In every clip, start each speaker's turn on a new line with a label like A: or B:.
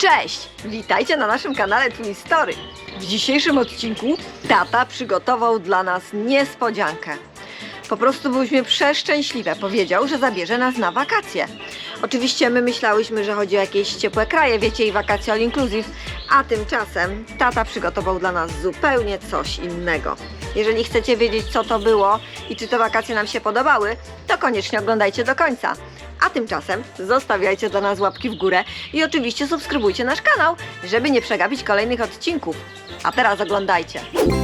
A: Cześć! Witajcie na naszym kanale Twin Story. W dzisiejszym odcinku tata przygotował dla nas niespodziankę. Po prostu byliśmy przeszczęśliwe. Powiedział, że zabierze nas na wakacje. Oczywiście my myślałyśmy, że chodzi o jakieś ciepłe kraje, wiecie, i wakacje all inclusive, a tymczasem tata przygotował dla nas zupełnie coś innego. Jeżeli chcecie wiedzieć, co to było i czy te wakacje nam się podobały, to koniecznie oglądajcie do końca. A tymczasem zostawiajcie dla nas łapki w górę i oczywiście subskrybujcie nasz kanał, żeby nie przegapić kolejnych odcinków. A teraz oglądajcie.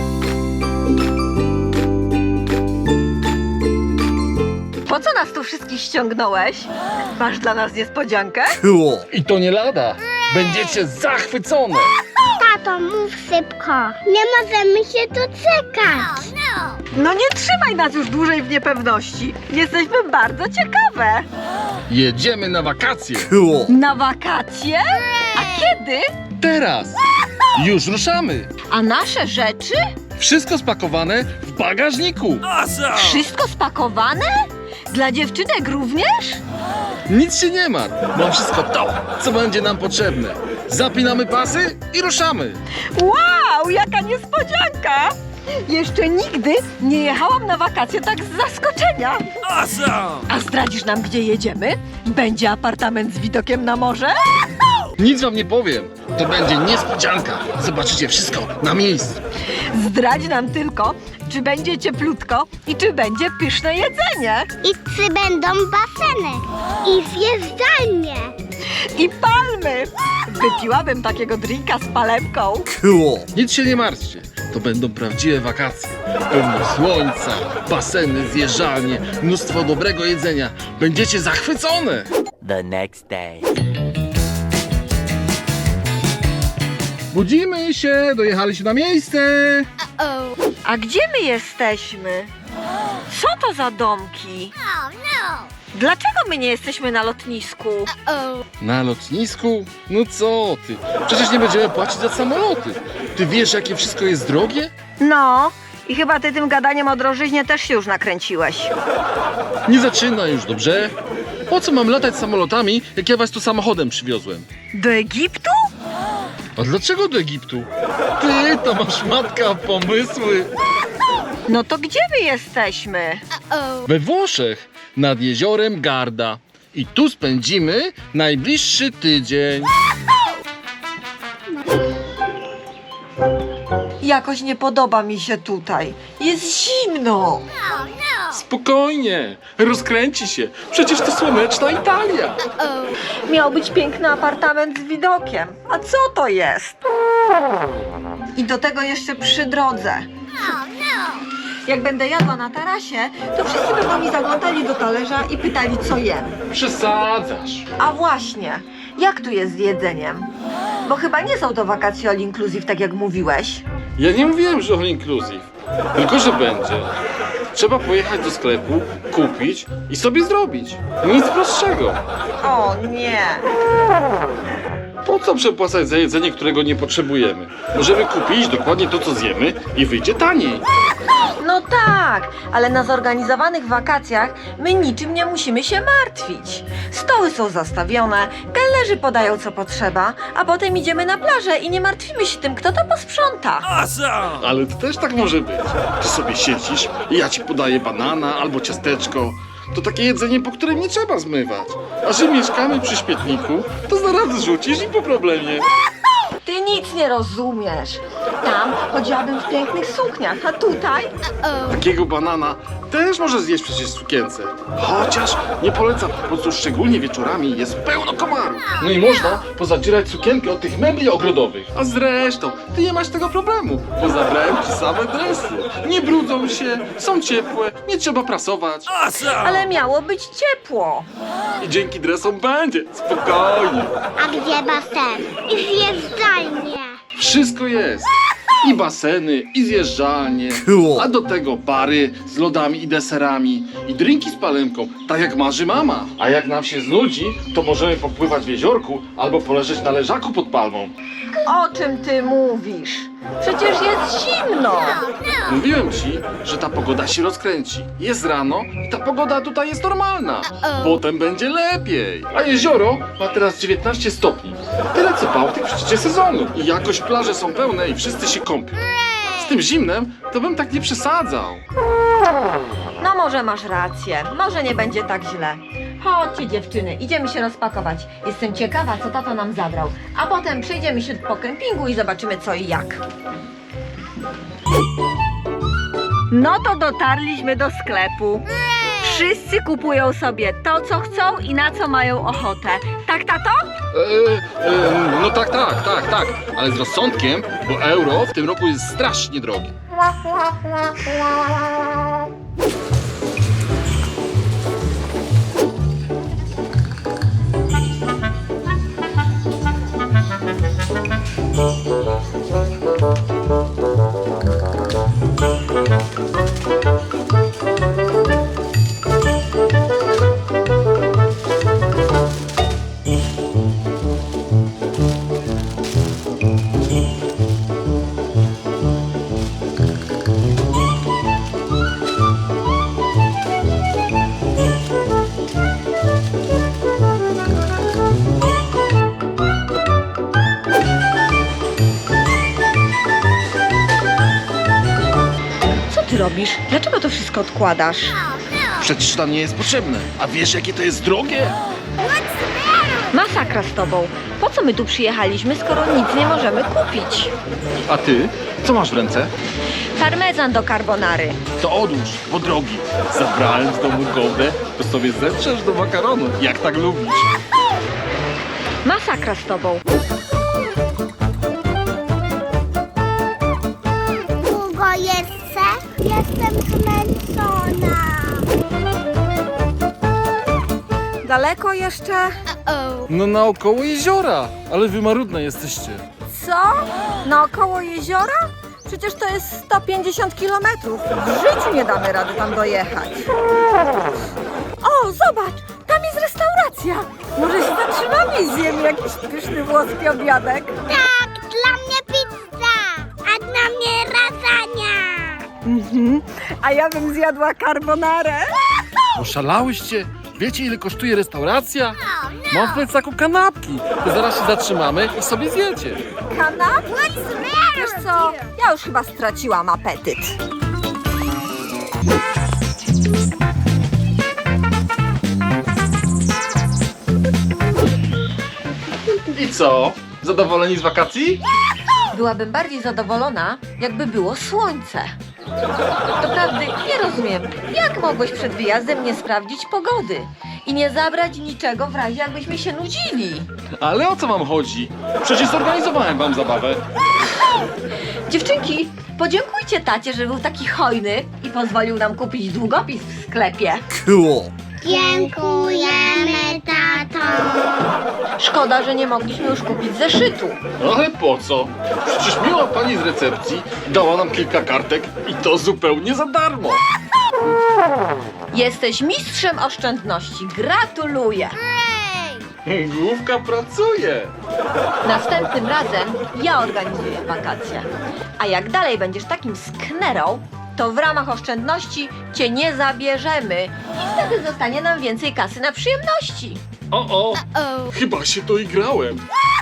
A: Po co nas tu wszystkich ściągnąłeś? Masz dla nas niespodziankę?
B: I to nie lada. Będziecie zachwycone.
C: Tato, mów szybko. Nie możemy się doczekać.
A: No nie trzymaj nas już dłużej w niepewności. Jesteśmy bardzo ciekawe.
B: Jedziemy na wakacje.
A: Na wakacje? A kiedy?
B: Teraz. Już ruszamy.
A: A nasze rzeczy?
B: Wszystko spakowane w bagażniku.
A: Wszystko spakowane? Dla dziewczynek również?
B: Nic się nie martw. Mam wszystko to, co będzie nam potrzebne. Zapinamy pasy i ruszamy.
A: Wow, jaka niespodzianka! Jeszcze nigdy nie jechałam na wakacje tak z zaskoczenia. A zdradzisz nam, gdzie jedziemy? Będzie apartament z widokiem na morze?
B: Nic wam nie powiem. To będzie niespodzianka. Zobaczycie wszystko na miejscu.
A: Zdradź nam tylko, czy będzie cieplutko i czy będzie pyszne jedzenie.
C: I czy będą baseny? I zjeżdżalnie.
A: I palmy! Wypiłabym takiego drinka z palemką.
B: Nic się nie martwcie. To będą prawdziwe wakacje. Pełno słońca, baseny, zjeżdżalnie, mnóstwo dobrego jedzenia. Będziecie zachwycone.
D: The next day.
B: Budzimy się, dojechaliśmy na miejsce.
A: A gdzie my jesteśmy? Co to za domki? Dlaczego my nie jesteśmy na lotnisku?
B: Na lotnisku? No co ty? Przecież nie będziemy płacić za samoloty. Ty wiesz, jakie wszystko jest drogie?
A: No, i chyba ty tym gadaniem o drożyźnie też się już nakręciłeś.
B: Nie zaczynaj już, dobrze? Po co mam latać samolotami, jak ja was tu samochodem przywiozłem?
A: Do Egiptu?
B: A dlaczego do Egiptu? Ty, to masz matka pomysły.
A: No to gdzie my jesteśmy?
B: We Włoszech, nad jeziorem Garda. I tu spędzimy najbliższy tydzień.
A: Jakoś nie podoba mi się tutaj. Jest zimno.
B: Spokojnie, rozkręci się. Przecież to słoneczna Italia.
A: Miał być piękny apartament z widokiem. A co to jest? I do tego jeszcze przy drodze. Jak będę jadła na tarasie, to wszyscy będą mi zaglądali do talerza i pytali, co jem.
B: Przesadzasz.
A: A właśnie, jak tu jest z jedzeniem? Bo chyba nie są to wakacje all inclusive, tak jak mówiłeś.
B: Ja nie mówiłem, że all inclusive. Tylko, że będzie. Trzeba pojechać do sklepu, kupić i sobie zrobić. Nic prostszego.
A: O nie.
B: Po co przepłacać za jedzenie, którego nie potrzebujemy? Możemy kupić dokładnie to, co zjemy i wyjdzie taniej.
A: No tak, ale na zorganizowanych wakacjach my niczym nie musimy się martwić. Stoły są zastawione, kelnerzy podają co potrzeba, a potem idziemy na plażę i nie martwimy się tym, kto to posprząta.
B: Ale to też tak może być. Ty sobie siedzisz i ja ci podaję banana albo ciasteczko. To takie jedzenie, po którym nie trzeba zmywać. A że mieszkamy przy śmietniku, to zaraz rzucisz i po problemie.
A: Ty nic nie rozumiesz. Tam chodziłabym w pięknych sukniach, a tutaj?
B: Takiego banana też może zjeść przecież w sukience. Chociaż nie polecam, bo tu szczególnie wieczorami jest pełno komarów. No i można pozadzierać sukienkę od tych mebli ogrodowych. A zresztą, ty nie masz tego problemu, bo zabrałem ci same dresy. Nie brudzą się, są ciepłe, nie trzeba prasować.
A: Ale miało być ciepło.
B: I dzięki dresom będzie, spokojnie.
C: A gdzie basen? I zjeżdżalnie.
B: Wszystko jest. I baseny, i zjeżdżalnie, a do tego bary z lodami i deserami, i drinki z palemką, tak jak marzy mama. A jak nam się znudzi, to możemy popływać w jeziorku albo poleżeć na leżaku pod palmą.
A: O czym ty mówisz? Przecież jest zimno.
B: Mówiłem ci, że ta pogoda się rozkręci. Jest rano i ta pogoda tutaj jest normalna. Potem będzie lepiej. A jezioro ma teraz 19 stopni. Tyle co Bałtyk w szczycie sezonu. I jakoś plaże są pełne i wszyscy się kąpią. Z tym zimnem to bym tak nie przesadzał.
A: No może masz rację, może nie będzie tak źle. Chodźcie dziewczyny, idziemy się rozpakować. Jestem ciekawa, co tato nam zabrał. A potem przejdziemy się po kempingu i zobaczymy co i jak. No to dotarliśmy do sklepu. Wszyscy kupują sobie to, co chcą i na co mają ochotę. Tak, tato?
B: No tak. Ale z rozsądkiem, bo euro w tym roku jest strasznie drogie.
A: Co ty robisz? Dlaczego to wszystko odkładasz?
B: Przecież to nie jest potrzebne. A wiesz, jakie to jest drogie?
A: Masakra z tobą. Po co my tu przyjechaliśmy, skoro nic nie możemy kupić?
B: A ty? Co masz w ręce?
A: Parmezan do carbonary.
B: To odłóż, bo drogi. Zabrałem z domu gołdę, to sobie zetrzesz do makaronu, jak tak lubisz.
A: Masakra z tobą.
C: Długo jeszcze? Jestem zmęczona.
A: Daleko jeszcze?
D: No naokoło jeziora, ale wy marudne jesteście.
A: Co? Naokoło jeziora? Przecież to jest 150 kilometrów. W życiu nie damy rady tam dojechać. O, zobacz! Tam jest restauracja. Może się zatrzymamy i zjemy jakiś pyszny włoski obiadek?
C: Tak, dla mnie pizza, a dla mnie lasagna.
A: A ja bym zjadła carbonarę.
D: Oszalałyście? Wiecie, ile kosztuje restauracja? Mam w plecaku kanapki. To zaraz się zatrzymamy i sobie zjecie.
A: Kanapki? Wiesz co? Ja już chyba straciłam apetyt.
B: I co? Zadowoleni z wakacji?
A: Byłabym bardziej zadowolona, jakby było słońce. Doprawdy nie rozumiem, jak mogłeś przed wyjazdem nie sprawdzić pogody i nie zabrać niczego w razie jakbyśmy się nudzili.
B: Ale o co wam chodzi? Przecież zorganizowałem wam zabawę.
A: Dziewczynki, podziękujcie tacie, że był taki hojny i pozwolił nam kupić długopis w sklepie.
D: Cool.
C: Dziękujemy, tato.
A: Szkoda, że nie mogliśmy już kupić zeszytu.
B: Ale po co? Przecież miła pani z recepcji dała nam kilka kartek i to zupełnie za darmo.
A: Jesteś mistrzem oszczędności. Gratuluję.
B: Główka pracuje.
A: Następnym razem ja organizuję wakacje. A jak dalej będziesz takim sknerą, to w ramach oszczędności cię nie zabierzemy i wtedy zostanie nam więcej kasy na przyjemności.
B: O, chyba się doigrałem.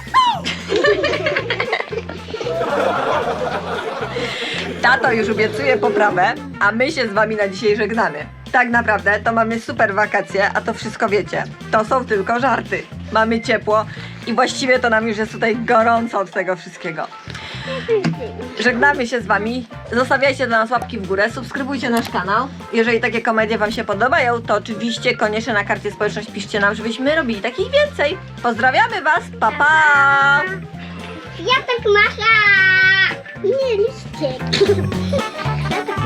A: Tato już obiecuje poprawę, a my się z wami na dzisiaj żegnamy. Tak naprawdę to mamy super wakacje, a to wszystko wiecie. To są tylko żarty. Mamy ciepło i właściwie to nam już jest tutaj gorąco od tego wszystkiego. Żegnamy się z wami. Zostawiajcie dla nas łapki w górę, subskrybujcie nasz kanał. Jeżeli takie komedie wam się podobają, to oczywiście koniecznie na karcie społeczność piszcie nam, żebyśmy robili takich więcej. Pozdrawiamy was, pa pa!
C: Ja tak macham. Nie, liście. Ja tak